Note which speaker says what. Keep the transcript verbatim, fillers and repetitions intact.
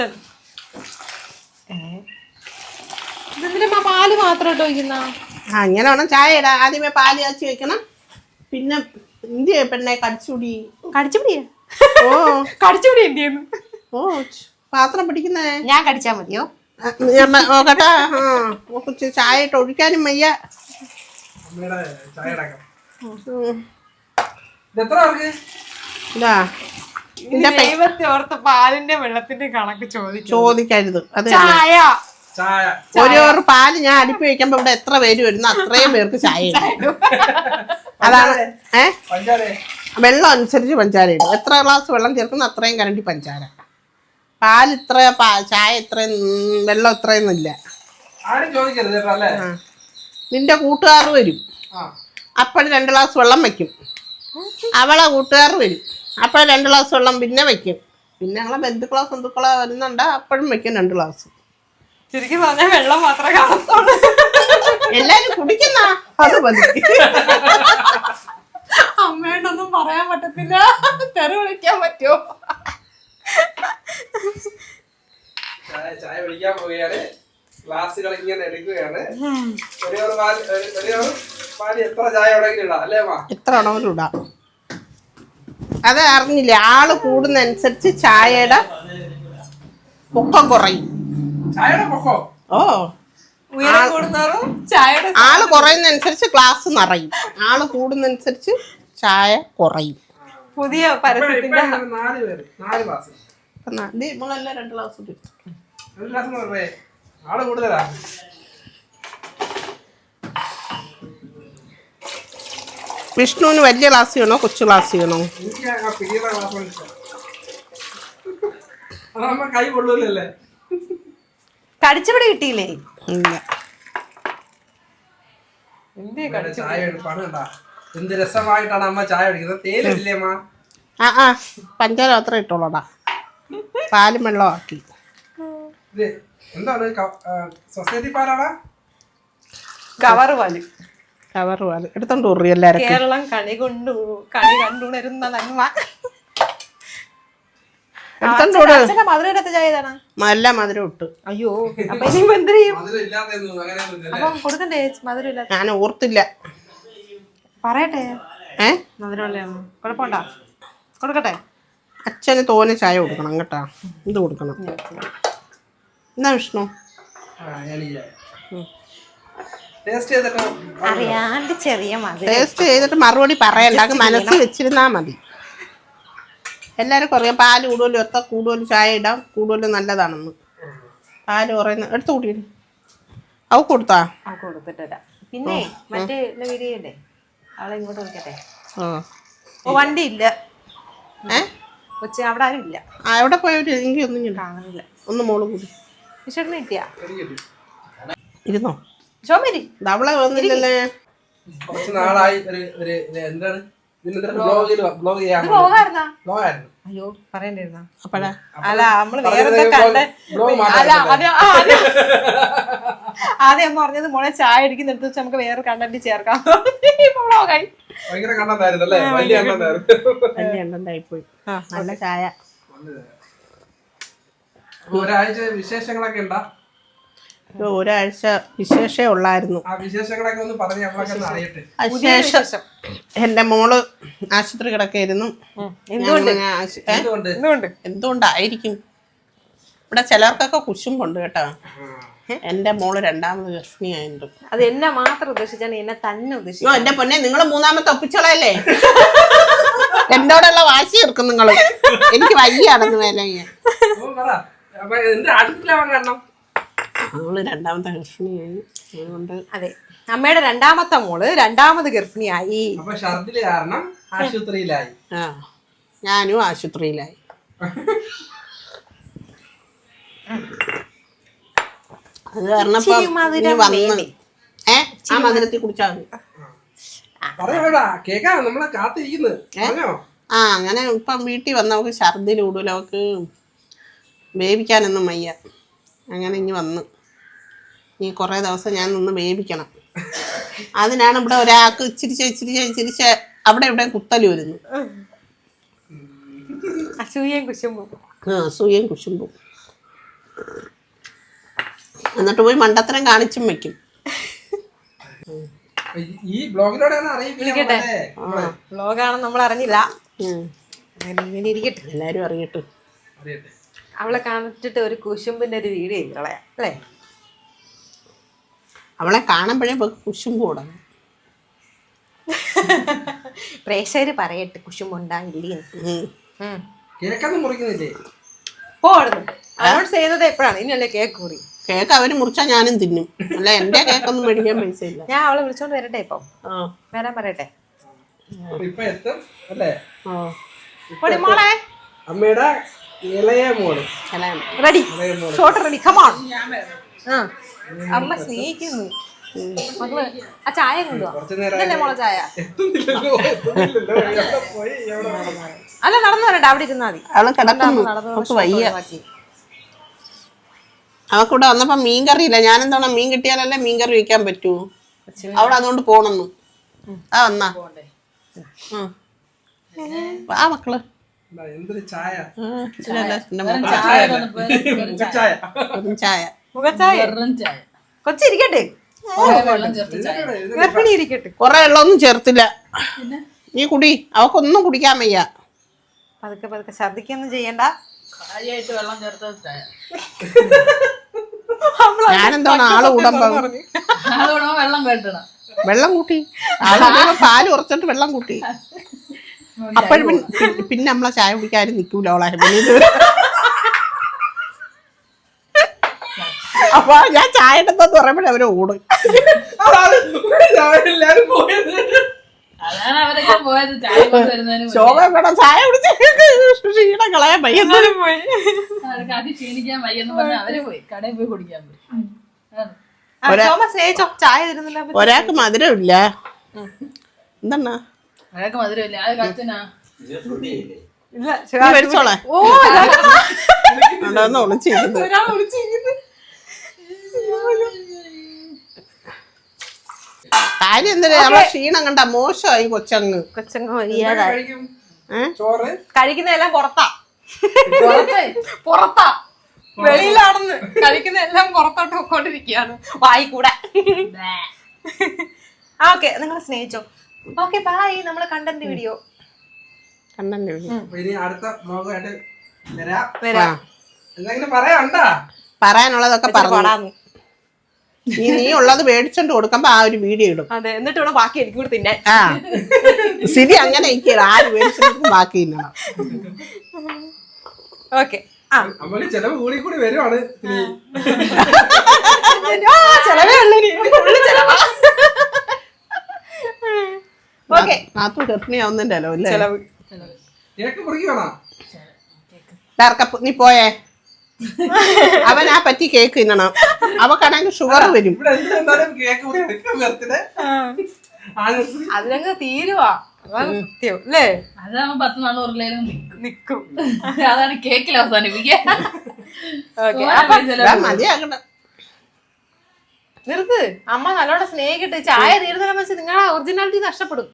Speaker 1: പാല് മാത്രം ഇട്ട് വയ്ക്കുന്ന
Speaker 2: ആ ഇങ്ങനെ വേണം ചായ ഇടാ. ആദ്യമേ പാല് കാച്ചി വെക്കണം. പിന്നെ എന്ത് പെണ്ണെ കടിച്ചുപിടി
Speaker 1: കടിച്ചുപിടിയാ
Speaker 2: ഓ
Speaker 1: കടിച്ചുപിടി എന്ത് ചെയ്യുന്നു?
Speaker 2: ഓ പാത്രം പിടിക്കുന്നേ
Speaker 1: ഞാൻ കടിച്ചാ മതിയോ?
Speaker 2: കേട്ടാ ആ ചായ ഇട്ട് ഒഴിക്കാനും വയ്യ. ഇതാ
Speaker 1: ദൈവത്തെ ഓർത്ത് പാലിന്റെ വെള്ളത്തിന്റെ കണക്ക്
Speaker 2: ചോദിക്കരുത്. അത്
Speaker 1: ചായ
Speaker 2: ഒരു പാല് ഞാൻ അടുപ്പി വെക്കുമ്പോ ഇവിടെ എത്ര പേര് വരുന്നു അത്രയും പേർക്ക് ചായ ഇടും. അതാണ് ഏ വെള്ളം അനുസരിച്ച് പഞ്ചാര ഇടും. എത്ര ഗ്ലാസ് വെള്ളം ചേർക്കുന്ന അത്രയും കരണ്ടി പഞ്ചാര. പാല് ഇത്ര ചായ ഇത്രയും വെള്ളം ഇത്രയൊന്നും ഇല്ല. നിന്റെ കൂട്ടുകാർ വരും അപ്പോഴും രണ്ട് ഗ്ലാസ് വെള്ളം വെക്കും. അവളെ കൂട്ടുകാർ വരും അപ്പോഴും രണ്ട് ഗ്ലാസ് വെള്ളം പിന്നെ വെക്കും. പിന്നെ ഞങ്ങളെ ബന്ധുക്കളോ ബന്ധുക്കളോ വരുന്നുണ്ട് അപ്പോഴും വെക്കും രണ്ട് ഗ്ലാസ്.
Speaker 1: ശരിക്കും പറഞ്ഞാൽ വെള്ളം മാത്രമേ കാണത്തുള്ളൂ.
Speaker 2: എല്ലാരും കുടിക്കുന്ന അത് മതി.
Speaker 1: അമ്മയോടൊന്നും പറയാൻ പറ്റത്തില്ല. തെറി വിളിക്കാൻ പറ്റുമോ?
Speaker 3: ചായ കുടിക്കാൻ പോവുകയാണ്. ഗ്ലാസുകൾ ഇങ്ങനെ എടുക്കുകയാണ്. എത്ര ചായ അല്ലേ
Speaker 2: എത്ര വേണമെങ്കിലും ഇടാം. അത് അറിഞ്ഞില്ലേ ആള് കൂടുന്നതനുസരിച്ച് ചായയുടെ പൊക്കം കുറയും. ഓ ആള് കുറയുന്നതനുസരിച്ച് ഗ്ലാസ് നിറയും. ആള് കൂടുന്നതനുസരിച്ച് ചായ കുറയും.
Speaker 1: പുതിയ പരസ്യത്തിന്റെ
Speaker 2: നമ്മളെല്ലാം രണ്ട് ഗ്ലാസ്
Speaker 3: ആള് കൂടുതലാ.
Speaker 2: വിഷ്ണുവിന് വലിയ ഗ്ലാസ് ചെയ്യണോ കൊച്ചു ഗ്ലാസ് ചെയ്യണോ?
Speaker 3: കൈ കൊള്ളൂലല്ലേ.
Speaker 1: കടിച്ചുപിടി കിട്ടിയില്ലേ?
Speaker 3: ചായ എന്ത് രസമായിട്ടാണ് അമ്മ ചായ കുടിക്കുന്നത്. തേയിലല്ലേ അമ്മ?
Speaker 2: ആ ആ പഞ്ചാര മാത്രം ഇട്ടോളൂടാ. പാലും വെള്ളം ആക്കി.
Speaker 3: എന്താണ് സൊസൈറ്റി പാലാടാ?
Speaker 1: കവർ പാല്.
Speaker 2: കവർ പാല് എടുത്തോണ്ട് പോറി എല്ലാരും.
Speaker 1: കേരളം കണി കൊണ്ടു കണി കണ്ടുണരുന്ന നന്മ.
Speaker 2: നല്ല മധുരം ഇട്ട്.
Speaker 1: അയ്യോ അപ്പൊ ഇനി എന്ത് ചെയ്യും? അപ്പം കൊടുക്കണ്ടേ മധുരം ഇല്ല?
Speaker 2: ഞാൻ ഓർത്തില്ല.
Speaker 1: പറയട്ടെ
Speaker 2: ഏ
Speaker 1: മധുരമുള്ളതാണ്. കുഴപ്പമുണ്ടാ? കൊടുക്കട്ടെ.
Speaker 2: അച്ഛന് തോനെ ചായ കൊടുക്കണം കേട്ടാ. ഇത് കൊടുക്കണം. എന്നാ വിഷ്ണു
Speaker 1: അറിയാണ്ട് ചെറിയ മധുരം
Speaker 2: ടേസ്റ്റ് ചെയ്തിട്ട് മറുപടി പറയണ്ട. മനസ്സിൽ വെച്ചിരുന്നാ മതി. എല്ലാവരും കുറയാം. പാല് കൂടുതലും എത്ര കൂടുതൽ ചായ ഇടാം. കൂടുതലും നല്ലതാണെന്ന്. പാല് കുറയുന്ന എടുത്ത് കൂട്ടിയിട്ട് അവ കൊടുത്താ
Speaker 1: കൊടുത്തിട്ടില്ല. പിന്നെ മറ്റേ വീഡിയോല്ലേ അവളെ ഇങ്ങോട്ട് വിളിക്കട്ടെ. ഓ വണ്ടി ഇല്ല.
Speaker 2: ഏ
Speaker 1: കൊച്ച അവിടെ ആരും ഇല്ല.
Speaker 2: ആ എവിടെ പോയവര് എനിക്ക് ഒന്നും
Speaker 1: കാണുന്നില്ല.
Speaker 2: ഒന്ന് മോള് കൂടി
Speaker 1: വിശേഷന് കിട്ടിയാ
Speaker 2: ഇരുന്നോ?
Speaker 1: ഷോമേരി
Speaker 2: അവളെ വന്നില്ലല്ലേ.
Speaker 3: കുറച്ച് നാളായി ഒരു എന്താണ്
Speaker 1: അയ്യോ പറയണ്ടായിരുന്ന
Speaker 2: അപ്പഴാ
Speaker 1: അല്ല നമ്മള് വേറെ കണ്ട അല്ല ആദ്യം അമ്മ പറഞ്ഞത് മോളെ ചായ അടിക്കുന്ന എടുത്ത് വെച്ച് നമുക്ക് വേറെ കണ്ടന്റ് ചേർക്കാം.
Speaker 2: പോയി നല്ല ചായ.
Speaker 3: ഒരാഴ്ച വിശേഷങ്ങളൊക്കെ ഉണ്ടാ?
Speaker 2: ഒരാഴ്ച വിശേഷേ ഉള്ളായിരുന്നു. വിശേഷം എന്റെ മോള് ആശുപത്രി കിടക്കായിരുന്നു. എന്തുകൊണ്ടായിരിക്കും? ഇവിടെ ചിലർക്കൊക്കെ കുശുമ്പുണ്ട് കേട്ടോ. എന്റെ മോള് രണ്ടാമത് ഗർഭിണിയായിട്ട്.
Speaker 1: അത് എന്നെ മാത്രം ഉദ്ദേശിച്ചാണ് എന്നെ തന്നെ ഉദ്ദേശിച്ചു.
Speaker 2: എന്റെ പൊന്നെ നിങ്ങള് മൂന്നാമത്തെ ഒപ്പിച്ചോളല്ലേ. എന്നോടുള്ള വാശി തീർക്കും നിങ്ങള്. എനിക്ക് വയ്യാണെന്ന് വേല അവള് രണ്ടാമത്തെ ഗർഭിണിയായി. അതുകൊണ്ട്
Speaker 1: അതെ അമ്മയുടെ രണ്ടാമത്തെ മോള് രണ്ടാമത് ഗർഭിണിയായി.
Speaker 3: ആശുപത്രിയിലായി.
Speaker 2: ആ ഞാനും ആശുപത്രിയിലായി. അത് കാരണപ്പോ വന്ന് ഏ ആ മധുരത്തിൽ കുടിച്ചാൽ മതി. ആ അങ്ങനെ ഇപ്പം വീട്ടിൽ വന്ന അവൾക്ക് ഛർദിൽ കൂടുതൽ. അവൾക്ക് വേവിക്കാനൊന്നും വയ്യ. അങ്ങനെ ഇനി വന്ന് ഇനി കുറേ ദിവസം ഞാൻ നിന്ന് വേവിക്കണം. അതിനാണ് ഇവിടെ ഒരാൾക്ക് ഇച്ചിരിച്ച ഇച്ചിരിച്ച ഇച്ചിരിച്ച അവിടെ ഇവിടെ കുത്തല് വരുന്നു.
Speaker 1: അസൂയയും കുശുമ്പും.
Speaker 2: ആ അസൂയയും കുശുമ്പും. എന്നിട്ട് പോയി മണ്ടത്തരം കാണിച്ചും വെക്കും.
Speaker 3: ഈ ബ്ലോഗിലൂടെയാണ് അറിയിക്കട്ടെ.
Speaker 1: ബ്ലോഗാണെന്ന് നമ്മൾ അറിഞ്ഞില്ല. ഇങ്ങനെ ഇരിക്കട്ടെ,
Speaker 2: എല്ലാരും അറിയട്ടെ.
Speaker 1: അവളെ കാണിച്ചിട്ട് ഒരു കുശുമ്പിന്റെ ഒരു വീഡിയോ കളയാം അല്ലേ?
Speaker 2: അവളെ കാണുമ്പോഴേ കുശുമ്പ് കൂടണം.
Speaker 1: പ്രേക്ഷകര് പറയട്ടെ കുശുമ്പുണ്ടായില്ലേ.
Speaker 3: കേക്കൊന്നും മുറിക്കുന്നില്ലേ?
Speaker 1: പോടുന്നു അനൗൺസ് ചെയ്യുന്നത് എപ്പോഴാണ്? ഇനിയല്ലേ കേക്ക് മുറി.
Speaker 2: കേക്ക് അവര് മുറിച്ചാൽ ഞാനും തിന്നും. അല്ല എന്റെ കേക്കൊന്നും മേടിക്കാൻ പൈസ ഇല്ല.
Speaker 1: ഞാൻ അവളെ വിളിച്ചോണ്ട് വരട്ടെ? ഇപ്പൊ വരാൻ പറയട്ടെ.
Speaker 3: ഇപ്പൊ എത്തും അല്ലേ?
Speaker 1: മോളെ
Speaker 3: അമ്മയുടെ ഇളയ മോള്
Speaker 1: റെഡി, ഷോട്ട് റെഡി, കമോൺ. അമ്മ സ്നേഹിക്കുന്നു മക്കള്. ആ ചായ കൊണ്ടുപോവാ മോളെ ചായ. അല്ല നടന്നു വരട്ടെ, അവിടെ ഇരുന്നാ മതി.
Speaker 2: അവള് കിടക്കുന്നു, വയ്യ. അവക്കിവിടെ വന്നപ്പോ മീൻ കറി ഇല്ല. ഞാനെന്താണ് മീൻ കിട്ടിയാലല്ലേ മീൻ കറി വെക്കാൻ പറ്റൂ. അവിടെ അതുകൊണ്ട് പോണെന്നു. ആ വന്നാ ആ മക്കള്
Speaker 3: എന്തൊരു ചായ.
Speaker 2: ചായ
Speaker 1: കൊച്ചിരിക്കട്ടെ, ഗർഭിണി ഇരിക്കട്ടെ.
Speaker 2: കൊറേ വെള്ളമൊന്നും ചേർത്തില്ല. നീ കുടി, അവക്കൊന്നും കുടിക്കാൻ വയ്യ.
Speaker 1: പതുക്കെ പതുക്കെ ഛർദിക്കൊന്നും ചെയ്യണ്ട.
Speaker 4: വെള്ളം ചേർത്ത്
Speaker 2: ഞാനെന്താണ് ആള് കൂടമ്പോ
Speaker 4: വെള്ളം കേട്ടണം.
Speaker 2: വെള്ളം കൂട്ടി ആള് പാല് കുറച്ചിട്ട് വെള്ളം കൂട്ടി. അപ്പോഴും പിന്നെ നമ്മളെ ചായ കുടിക്കാരും നിക്കൂല അവളെ. അപ്പൊ ഞാൻ ചായ ഇട്ടെന്ന് പറയുമ്പോഴേ അവര് ഓടും.
Speaker 3: എല്ലാരും പോയത്
Speaker 4: അതാണ് അവരൊക്കെ പോയത്. ചായ കൊണ്ടുവരുന്നതിന്
Speaker 2: ശോഭ വേണം ചായ കുടിച്ച് ക്ഷീണം കളയാൻ പയ്യന്നേരം പോയി.
Speaker 4: അവർക്ക് അത് ക്ഷീണിക്കാൻ വയ്യെന്ന് പറഞ്ഞാൽ അവര് പോയി കടയിൽ പോയി കുടിക്കാൻ പോയി.
Speaker 1: ചായ തരുന്നില്ല.
Speaker 2: ഒരാൾക്ക് മധുരം ഇല്ല. എന്താണ്
Speaker 4: അതൊക്കെ മധുരമില്ല. അത് കച്ചനാ
Speaker 2: മേടിച്ചോളെ ഒളിച്ചിരിക്കുന്നത്. കാര്യം എന്തിനാ നമ്മളെ ക്ഷീണം കണ്ട മോശമായി കൊച്ചങ്ങ്.
Speaker 1: കൊച്ചങ്ങ് വയ്യാതായി.
Speaker 3: ചോറ്
Speaker 1: കഴിക്കുന്നതെല്ലാം പുറത്താ പുറത്താ വെളിയിലാണെന്ന്. കഴിക്കുന്നതെല്ലാം പുറത്തോട്ട് പോയിക്കൊണ്ടിരിക്കുകയാണ് വായി കൂടെ. ആ ഓക്കെ, നിങ്ങൾ സ്നേഹിച്ചോ. Okay bye. നമ്മളെ കണ്ടന്റ് വീഡിയോ
Speaker 2: കണ്ടന്റ് വീഡിയോ
Speaker 3: ഇനി അടുത്ത ബ്ലോഗായിട്ട് വരാം.
Speaker 1: വരാം.
Speaker 3: എന്തെങ്കിലും പറയാനുണ്ടാ?
Speaker 2: പറയാനുള്ളതൊക്കെ പറഞ്ഞു. നീ നീ ഉള്ളത് മേടിച്ചോണ്ട് കൊടുക്കുമ്പോ ആ ഒരു വീഡിയോ ഇടും.
Speaker 1: അതെ, എന്നിട്ട് വേണം ബാക്കി എനിക്ക് കൂടെ തിന്നാൻ.
Speaker 2: ആ ശരി, അങ്ങനെ ഇരിക്കണം. ആര് മേടിച്ചിട്ട് ബാക്കി തിന്നണം.
Speaker 1: ഓക്കെ.
Speaker 3: അമ്മ ചെലവ് കൂടി കൂടി വരുവാണ്.
Speaker 1: ചെലവേ ഉള്ളൂ. ഓക്കെ,
Speaker 2: നാത്തു ഗർഭിണിയാവുന്നതിന്റെ അല്ലേ
Speaker 1: ചെലവ്.
Speaker 3: കേക്ക് മുറിക്കണോ?
Speaker 2: നീ പോയേ. അവൻ ആ പറ്റി കേക്ക് തിന്നണം. അവക്കാണെങ്കിൽ ഷുഗർ വരും.
Speaker 1: അതിലങ്ങ് തീരുവാ. അതാണ് സത്യം അല്ലേ?
Speaker 4: അതാവുമ്പോ പത്ത് നാള് ഉരുളയിലും
Speaker 1: നിക്കും.
Speaker 4: അതാണ് കേക്കിൽ അവസാനിപ്പിക്കുക.
Speaker 2: മതിയാകണം.
Speaker 1: നിർത്ത്. അമ്മ നല്ലോണം സ്നേഹിക്കട്ടെ. ചായ തീരുന്ന വെച്ച് നിങ്ങളുടെ ഒറിജിനാലിറ്റി നഷ്ടപ്പെടും.